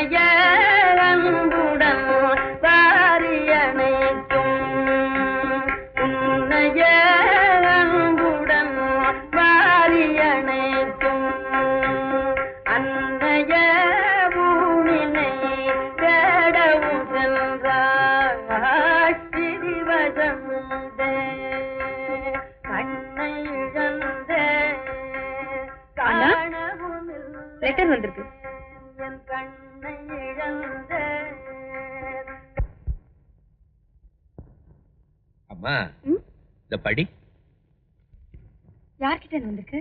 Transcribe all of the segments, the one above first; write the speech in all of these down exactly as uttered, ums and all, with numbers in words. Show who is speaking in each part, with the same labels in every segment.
Speaker 1: Letter வந்திருக்கு.
Speaker 2: அம்மா இந்த படி.
Speaker 1: யார்கிட்ட வந்திருக்கு?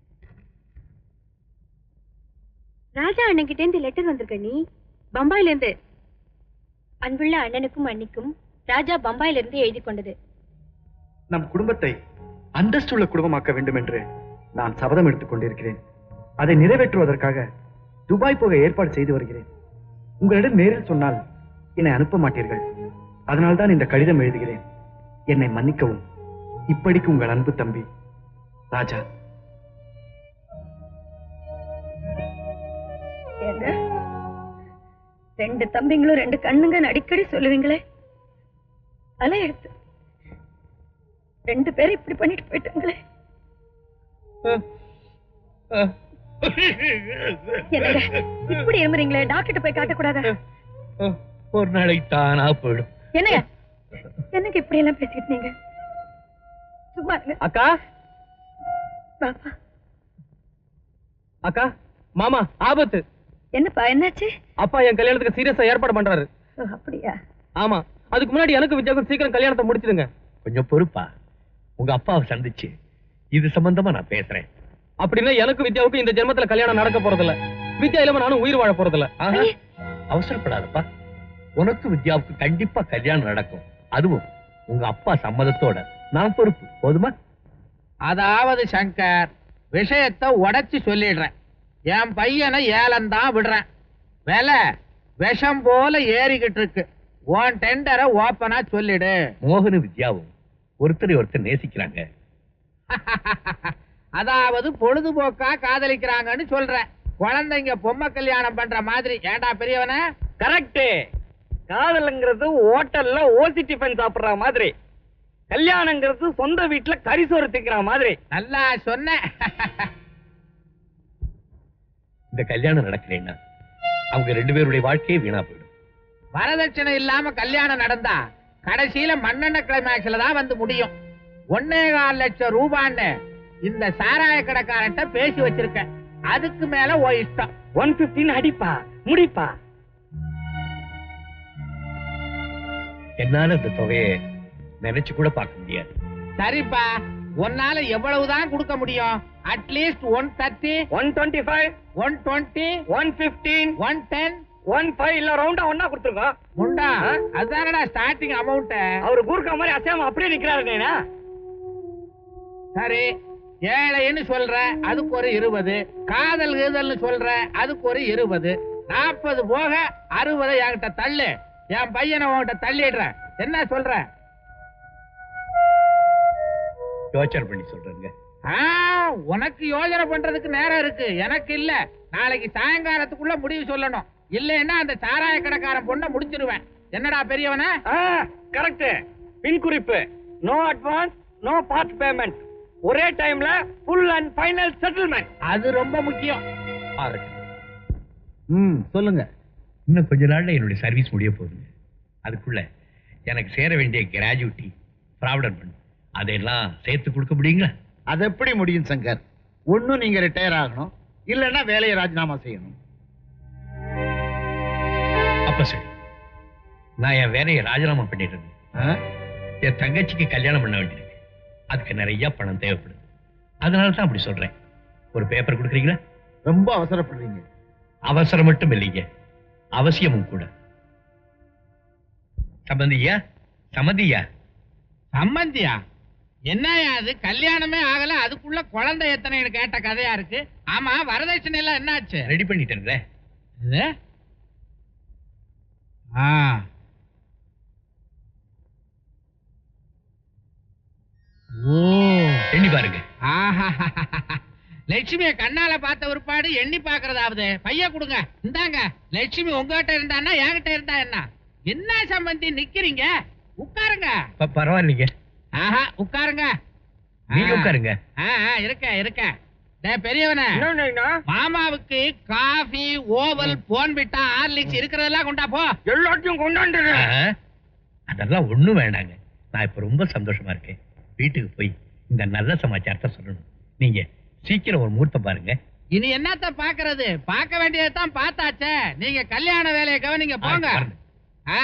Speaker 1: ராஜா அண்ணன் கிட்ட இருந்து லெட்டர் வந்திருக்க. நீ பம்பாயில இருந்து. அன்புள்ள அண்ணனுக்கும் அண்ணிக்கும் ராஜா பம்பாயில இருந்து எழுதி கொண்டது.
Speaker 3: நம் குடும்பத்தை அந்தஸ்துள்ள குடும்பமாக்க வேண்டும் என்று நான் சபதம் எடுத்துக் கொண்டிருக்கிறேன். அதை நிறைவேற்றுவதற்காக துபாய் போக ஏற்பாடு செய்து வருகிறேன். உங்களிடம் நேரில் சொன்னால் என்னை அனுப்ப மாட்டீர்கள். அதனால்தான் இந்த கடிதம் எழுதுகிறேன். என்னை மன்னிக்கவும். இப்படிக்கு உங்கள் அன்பு தம்பி ராஜா.
Speaker 1: ரெண்டு தம்பிங்களும் ரெண்டு கண்ணுங்க அடிக்கடி சொல்லுவீங்களே, அலை எடுத்து ரெண்டு பேரும் இப்படி பண்ணிட்டு போயிட்டாங்களே. இப்படி இருமுறீங்களே, டாக்டர் போய் காட்டக்கூடாதா?
Speaker 2: ஒரு நாளைக்கு தானா போயிடும்.
Speaker 1: என்னங்க என்னங்க இப்படி எல்லாம் பேசிட்டு நீங்க? சும்மா
Speaker 4: அக்கா
Speaker 1: பாப்பா.
Speaker 4: அக்கா மாமா ஆபத்து.
Speaker 1: என்னப்பா என்னாச்சு?
Speaker 4: அப்பா என் கல்யாணத்துக்கு சீரியஸா ஏற்பாடு பண்றாரு.
Speaker 1: அப்படியா?
Speaker 4: ஆமா. அதுக்கு முன்னாடி எனக்கு வித்யாவுக்கும் சீக்கிரம் கல்யாணத்தை முடிச்சிடுங்க.
Speaker 2: கொஞ்சம் பொறுப்பா. உங்க அப்பாவை சந்திச்சு இது சம்பந்தமா நான் பேசுறேன்.
Speaker 4: அப்படின்னா எனக்கு வித்யாவுக்கு இந்த ஜென்மத்துல கல்யாணம் நடக்க போறதில்ல. வித்யா இல்லாம நானும் உயிர் வாழ போறதில்ல.
Speaker 2: அவசரப்படாதப்பா. உனக்கு வித்யாவுக்கு கண்டிப்பா கல்யாணம் நடக்கும். அதுவும் உங்க அப்பா சம்மதத்தோட. நான் பொறுப்பு. போதுமா?
Speaker 5: அதாவது சங்கர், விஷயத்தை உடைச்சு சொல்லிடுறேன். என் பையனை ஏலந்தான் விடுறேன். விலை விஷம் போல ஏறிக்கிட்டு இருக்கு. உன் டெண்டரை ஓப்பனா சொல்லிடு.
Speaker 2: மோகனும் வித்யாவும் ஒருத்தரை ஒருத்தர் நேசிக்கிறாங்க.
Speaker 5: அதாவது பொழுதுபோக்கா காதலிக்கிறாங்கன்னு சொல்ற. குழந்தைங்க பொம்மை கல்யாணம் பண்ற மாதிரி. ஏண்டா பெரியவன?
Speaker 4: கரெக்ட். காதல்ங்கிறது ஹோட்டல்ல ஓசி டிஃபன் சாப்பிடுற மாதிரி. கல்யாணங்கிறது சொந்த வீட்டுல கரிசோறு திக்கிற மாதிரி.
Speaker 5: நல்லா சொன்ன.
Speaker 2: இந்த கல்யாணம் நடக்கிறேன்னா அவங்க ரெண்டு பேருடைய வாழ்க்கையே வீணா போயிடும்.
Speaker 5: வரதட்சணை இல்லாம கல்யாணம் நடந்தா கடைசியில மண்ணெண்ண கிளைமேக்ஸ்ல தான் வந்து முடியும். ஒன்னே கால் லட்சம் ரூபான்னு இந்த சாராய கடைக்காரன்ட்ட பேசி வச்சிருக்கேன். அதுக்கு மேல ஓ இஷ்டம்.
Speaker 4: ஒன் பிப்டின் அடிப்பா முடிப்பா.
Speaker 2: என்னால இந்த தொகையை நினைச்சு கூட பார்க்க முடியாது.
Speaker 5: சரிப்பா, உன்னால எவ்வளவுதான் கொடுக்க முடியும்? At least one thirty,
Speaker 4: one twenty five,
Speaker 5: one twenty,
Speaker 4: one fifteen,
Speaker 5: one ten,
Speaker 4: one five இல்ல ரவுண்டா ஒன்னா கொடுத்துருக்கோம்.
Speaker 5: முண்டா அதானடா ஸ்டார்டிங் அமௌண்ட்.
Speaker 4: அவரு கூர்க்க மாதிரி அசையாம அப்படியே நிக்கிறாரு.
Speaker 5: சரி, ஏழைன்னு சொல்ற அதுக்கு ஒரு இருபது, காதல் கீதல்னு சொல்ற அதுக்கு ஒரு இருபது, நாற்பது போக அறுபது என்கிட்ட தள்ளு. என் பையனை உன்கிட்ட தள்ளிடுற. என்ன சொல்ற?
Speaker 2: யோசனை பண்ணி சொல்றேங்க.
Speaker 5: உனக்கு யோசனை பண்றதுக்கு நேரம் இருக்கு, எனக்கு இல்ல. நாளைக்கு சாயங்காலத்துக்குள்ள முடிவு சொல்லணும். இல்லைன்னா அந்த சாராய கடைக்காரன் பொண்ணை முடிச்சிருவேன். என்னடா பெரியவன?
Speaker 4: கரெக்ட். பின் குறிப்பு, no advance, no part payment. ஒரே டைம்ல ஃபுல் அண்ட் ஃபைனல் செட்டில்மெண்ட்.
Speaker 5: அது ரொம்ப முக்கியம்.
Speaker 2: ம் சொல்லுங்க. இன்னும் கொஞ்ச நாள்ல என்னுடைய சர்வீஸ் முடிய போகுதுங்க. அதுக்குள்ள எனக்கு சேர வேண்டிய கிராஜுவிட்டி, ப்ராவிடன்ட் ஃபண்ட் அதெல்லாம் சேர்த்து கொடுக்க முடியுங்களா?
Speaker 6: அது எப்படி முடியும் சங்கர்? ஒன்னும் நீங்க ரிட்டையர் ஆகணும், இல்லைன்னா வேலையை ராஜினாமா செய்யணும்.
Speaker 2: அப்ப சரி, நான் என் வேலையை ராஜினாமா பண்ணிடுறேன். என் தங்கச்சிக்கு கல்யாணம் பண்ண வேண்டியிருக்கு. அதுக்கு நிறைய பணம் தேவைப்படுது. அதனால தான் அப்படி சொல்றேன். ஒரு பேப்பர் கொடுக்குறீங்களா?
Speaker 6: ரொம்ப அவசரப்படுறீங்க.
Speaker 2: அவசரம் மட்டும் இல்லைங்க, அவசியமும் கூட. சம்பந்தியா? சம்மந்தியா?
Speaker 5: சம்பந்தியா? என்னையா அது? கல்யாணமே ஆகல, அதுக்குள்ள குழந்தை எத்தனைன்னு கேட்ட கதையா இருக்கு. ஆமா, வரதட்சணை எல்லாம் என்னாச்சு?
Speaker 2: ரெடி பண்ணிட்டேன். ஓ, எண்ணி பாருங்க.
Speaker 5: லட்சுமிய கண்ணால பார்த்த ஒருபாடு எண்ணி பாக்குறதாவது. பைய கொடுங்க. இந்தாங்க. லட்சுமி உங்ககிட்ட இருந்தான்னா என்கிட்ட இருந்தா என்ன? என்ன சம்பந்தி நிக்கிறீங்க? உட்காருங்க.
Speaker 2: பரவாயில்லைங்க.
Speaker 5: ஆஹா உட்காருங்க.
Speaker 2: நீங்க உட்காருங்க.
Speaker 5: இருக்க இருக்க. பெரியவன மாமாவுக்கு காஃபி ஓவல் போன்விட்டா ஹார்லிக்ஸ் இருக்கிறதெல்லாம் கொண்டா போ.
Speaker 4: எல்லாத்தையும் கொண்டாண்டு.
Speaker 2: அதெல்லாம் ஒண்ணும் வேண்டாங்க. நான் இப்ப ரொம்ப சந்தோஷமா இருக்கேன். வீட்டுக்கு போய் இந்த நல்ல சமாச்சாரத்தை சொல்லணும். நீங்க சீக்கிரம் ஒரு முகூர்த்தம் பாருங்க.
Speaker 5: இனி என்னத்த பாக்குறது? பார்க்க வேண்டியதான் பார்த்தாச்சே. நீங்க கல்யாண வேலையை கவனிங்க போங்க. ஆ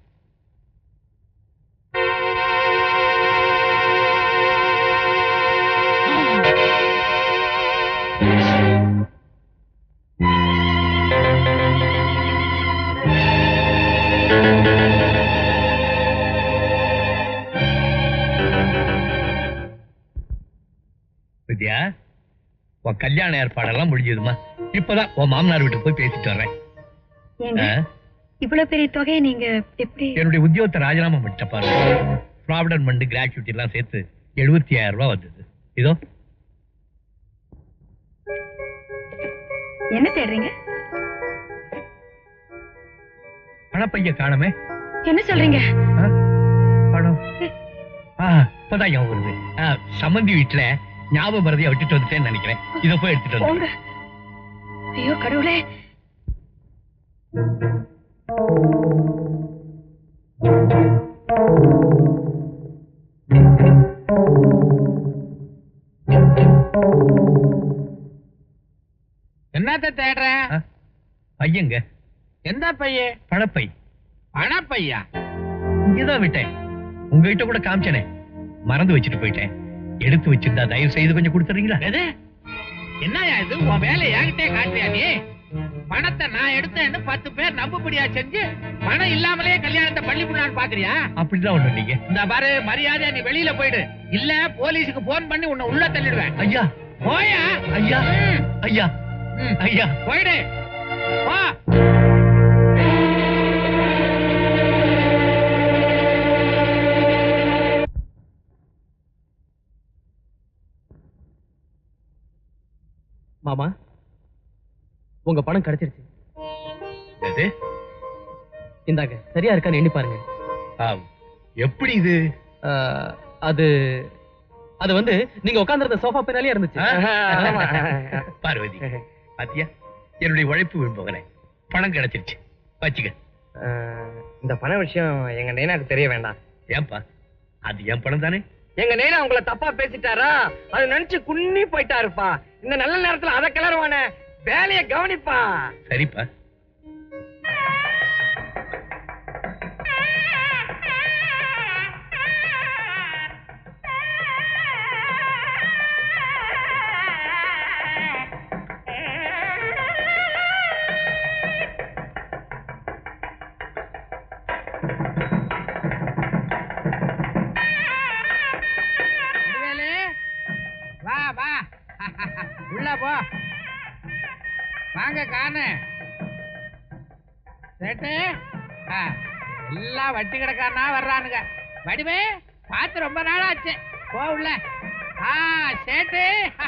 Speaker 2: வித்யா, உன் கல்யாண ஏற்பாடெல்லாம் முடிஞ்சதுமா? இப்பதான் உன் மாமனார் வீட்டுக்கு போய் பேசிட்டு வர்றேன்.
Speaker 1: இவ்வளவு பெரிய தொகையை நீங்க எப்படி?
Speaker 2: என்னுடைய உத்தியோகத்தை ராஜினாமா பண்ணிட்ட பாருங்க. ப்ராவிடன்ட் ஃபண்ட் கிராச்சுவிட்டி எல்லாம் சேர்த்து எழுபத்தி ஆயிரம் ரூபாய் வந்தது. இதோ.
Speaker 1: என்ன தேடுறீங்க?
Speaker 2: பணப்பைய காணமே.
Speaker 1: என்ன சொல்றீங்க?
Speaker 2: பணம் இப்பதான் ஞாபகம் வருது. சம்பந்தி வீட்டுல ஞாபகம் மறதியா விட்டுட்டு வந்துட்டேன்னு நினைக்கிறேன். இத போய் எடுத்துட்டு வந்து.
Speaker 1: ஐயோ கடவுளே.
Speaker 5: என்னத்த தேடுற?
Speaker 2: பையங்க.
Speaker 5: எந்த பைய?
Speaker 2: பணப்பை.
Speaker 5: பணப்பையா?
Speaker 2: இங்கதான் விட்டேன். உங்ககிட்ட கூட காமிச்சனே, மறந்து வச்சுட்டு போயிட்டேன். எடுத்து வச்சிருந்தா தயவு செய்து கொஞ்சம் கொடுத்துறீங்களா?
Speaker 5: என்னயா இது? உன் வேலை என்கிட்டே காட்டுறியா நீ? பணத்தை நான் எடுத்தேன்னு பத்து பேர் நம்புபடியா செஞ்சு பணம் இல்லாமலே கல்யாணத்தை பண்ணி பண்ணலான்னு பாக்குறியா?
Speaker 2: அப்படிதான் ஒண்ணு இல்லைங்க.
Speaker 5: இந்த பாரு, மரியாதையா நீ வெளியில போயிடு. இல்ல போலீஸுக்கு போன் பண்ணி உன்னை உள்ள தள்ளிடுவேன்.
Speaker 2: ஐயா
Speaker 5: போயா?
Speaker 2: ஐயா ஐயா ஐயா
Speaker 5: போயிடு. வா.
Speaker 4: மாமா, உங்க பணம் கிடைச்சிருச்சு. இந்தாங்க, சரியா இருக்கான்னு எண்ணி பாருங்க.
Speaker 2: எப்படி இது?
Speaker 4: அது அது வந்து நீங்க உட்கார்ந்திருந்த சோஃபா பின்னாலே இருந்துச்சு.
Speaker 2: பார்வதி, பாத்தியா, என்னுடைய உழைப்பு விரும்புகிறேன். பணம் கிடைச்சிருச்சு, வச்சுக்க.
Speaker 4: இந்த பண விஷயம் எங்க நைனாக்கு தெரிய வேண்டாம்.
Speaker 2: ஏன்பா? அது என் பணம் தானே.
Speaker 4: எங்க நைனா உங்களை தப்பா பேசிட்டாரா? அது நினைச்சு குன்னி போயிட்டாருப்பா. இந்த நல்ல நேரத்துல அத கிளறுவான வேலைய கவனிப்பா.
Speaker 2: சரிப்பா.
Speaker 5: வா வா, உள்ள போ. வாங்க காணு. சேட்டு, எல்லாம் வட்டி கிடக்காரனா வர்றானுங்க. வடிவே பார்த்து ரொம்ப நாள் ஆச்சு. போ உள்ள. ஆ சேட்டு.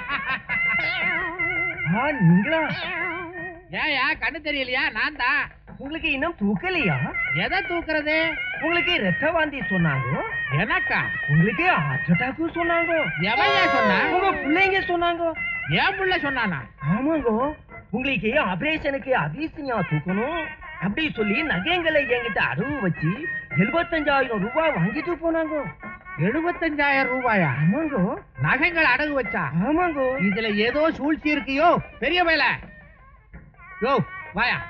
Speaker 4: நீங்களா?
Speaker 5: ஏயா கண்ணு தெரியலையா? நான் தான்.
Speaker 4: உங்களுக்கு இன்னும் தூக்கலையா?
Speaker 5: எதை தூக்குறது?
Speaker 4: உங்களுக்கு ரத்த வாந்தி சொன்னாங்க.
Speaker 5: எனக்கா?
Speaker 4: உங்களுக்கு ஹார்ட் அட்டாக் சொன்னாங்க.
Speaker 5: எவையா சொன்னா?
Speaker 4: உங்க பிள்ளைங்க சொன்னாங்க.
Speaker 5: ஏன் புள்ள சொன்னானா?
Speaker 4: ஆமாங்க, உங்களுக்கு ஆபரேஷனுக்கு அபிசினியா தூக்கணும் அப்படி சொல்லி நகைங்களை என்கிட்ட அடவு வச்சு எழுபத்தஞ்சாயிரம் ரூபாய் வாங்கிட்டு போனாங்க.
Speaker 5: எழுபத்தஞ்சாயிரம் ரூபாயா?
Speaker 4: ஆமாங்க.
Speaker 5: நகைகள் அடகு வச்சா?
Speaker 4: ஆமாங்க.
Speaker 5: இதுல ஏதோ சூழ்ச்சி இருக்கியோ பெரிய வேல. யோ வாயா.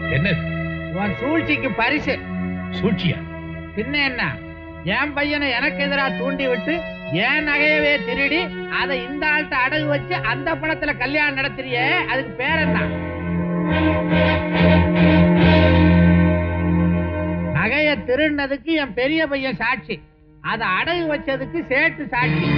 Speaker 2: என்ன
Speaker 5: உன் சூழ்ச்சிக்கு பரிசு.
Speaker 2: சூழ்ச்சியா?
Speaker 5: பின்ன என்ன, என் பையனை எனக்கு எதிரா தூண்டி விட்டு என் நகையவே திருடி அதை இந்த ஆள்கிட்ட அடகு வச்சு அந்த பணத்துல கல்யாணம் நடத்துறியே, அதுக்கு பேர் என்ன? நகைய திருடினதுக்கு என் பெரிய பையன் சாட்சி, அதை அடகு வச்சதுக்கு சேட்டு சாட்சி.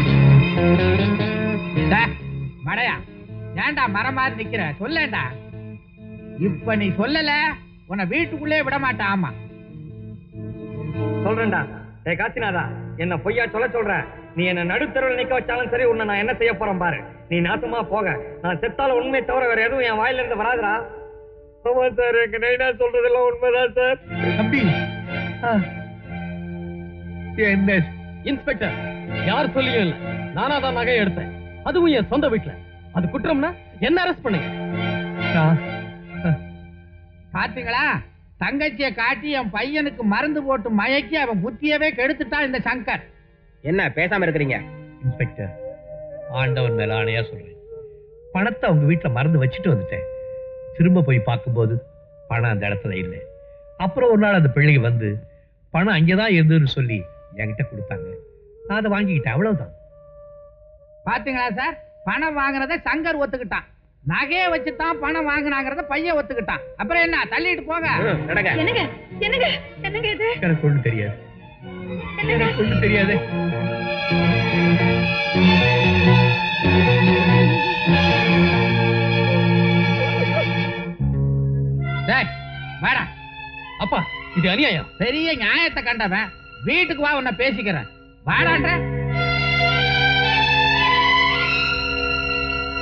Speaker 5: மடையா, ஏண்டா மரம் மாதிரி நிக்கிற? சொல்லேண்டா. இப்ப நீ சொல்லல, உன்னை வீட்டுக்குள்ளே விட மாட்டான். ஆமா
Speaker 4: சொல்றேன்டா. ஏ காசிநாதா, என்ன பொய்யா சொல்ல சொல்ற? நீ என்ன நடுத்தருவில் நிக்க வச்சாலும் சரி, உன்னை நான் என்ன செய்ய போறேன் பாரு. நீ நாசமா போக. நான் செத்தால உண்மையை தவிர வேற எதுவும் என் வாயில இருந்து வராதுடா. ஆமா சார், எங்க நைனா சொல்றதெல்லாம் உண்மைதான் சார்.
Speaker 2: தம்பி, என்ன
Speaker 4: இன்ஸ்பெக்டர், யார் சொல்லியும் இல்ல, நானா தான் நகையை எடுத்தேன், அதுவும் என் சொந்த வீட்டுல. அது குற்றம்னா என்ன அரெஸ்ட் பண்ணுங்க.
Speaker 5: பாத்தீங்களா, தங்கச்சிய காட்டி என் பையனுக்கு மருந்து போட்டு மயக்கி அவன் புத்தியவே கெடுத்துட்டான் இந்த சங்கர்.
Speaker 4: என்ன பேசாம இருக்கிறீங்க?
Speaker 2: இன்ஸ்பெக்டர், ஆண்டவன் மேல ஆணையா சொல்றேன், பணத்தை அவங்க வீட்டுல மறந்து வச்சுட்டு வந்துட்டேன். திரும்ப போய் பார்க்கும்போது பணம் அந்த இடத்துல இல்லை. அப்புறம் ஒரு நாள் அந்த பிள்ளைங்க வந்து பணம் அங்கேதான் இருந்ததுன்னு சொல்லி என்கிட்ட கொடுத்தாங்க. நான் அதை வாங்கிக்கிட்டேன், அவ்வளவுதான்.
Speaker 5: பாத்தீங்களா சார், பணம் வாங்கினத சங்கர் ஒத்துக்கிட்டான், நகையை வச்சுதான் பணம் வாங்கினாங்கிறத பையன் ஒத்துக்கிட்டான். அப்புறம் என்ன, தள்ளிட்டு போங்க.
Speaker 1: என்னங்க என்னங்க என்னங்க இது?
Speaker 2: எனக்கு ஒண்ணு தெரியாது, எனக்கு ஒண்ணு தெரியாது.
Speaker 5: வாடா.
Speaker 4: அப்பா, இது அநியாயம்.
Speaker 5: பெரிய நியாயத்தை கண்டவன், வீட்டுக்கு வா, உன்னை பேசிக்கிறேன். வாடான்ற